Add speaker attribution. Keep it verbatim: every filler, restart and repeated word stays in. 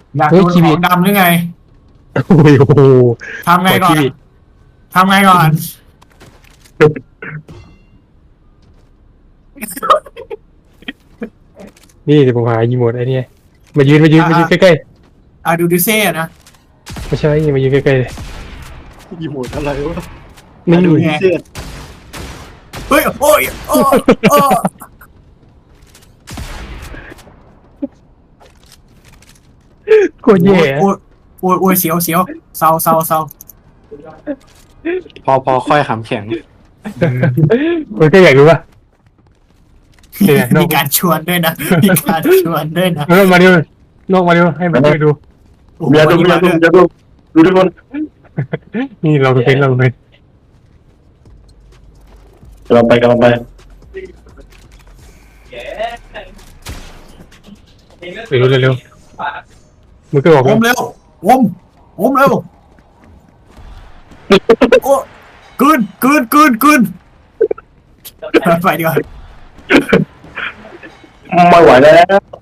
Speaker 1: อยากโดนของดำหรือไง
Speaker 2: โอ้โห
Speaker 1: ทำไงก่อนทำไงก่อน
Speaker 2: นี่เดี๋ยวผมหาอีโมดไอ้นี่มายืนมายืนมายืนใกล้
Speaker 1: ๆอ่ะดูดิเซ่นะ
Speaker 2: ๆไม่ใช่มายืนใกล้ๆเลย
Speaker 3: อีโมดอะไรวะ
Speaker 2: นี่
Speaker 3: ดูดิเสื้อ
Speaker 1: เฮ้ยโอ้ยโอ้โอ้
Speaker 2: โคตรแย่
Speaker 1: โอ้ยโอ้ยโอ้ยเสียวเสียวเศร้าเศร้าเศร้า
Speaker 3: พอพอค่อยขำแข็ง
Speaker 2: มันก็อยากรู้ป่ะ
Speaker 1: มีการชวนด้วยนะมีการชวนด้วยนะ
Speaker 2: แล้วมาดูนอกมาดูให้มันดู
Speaker 4: เบียร์ดูเบียร์ดูเบียร์ดูดูทุกคน
Speaker 2: นี่เราดูเป็นเราเลย
Speaker 4: กำลังไปกำลังไป
Speaker 2: ไปดูเร็วๆมึงก็บอก
Speaker 1: วมเร็ววมวมเร็วโอ้กลืนกลืนกลืนกลืนไปดีกว่า
Speaker 4: ไม่ไหวแล้ว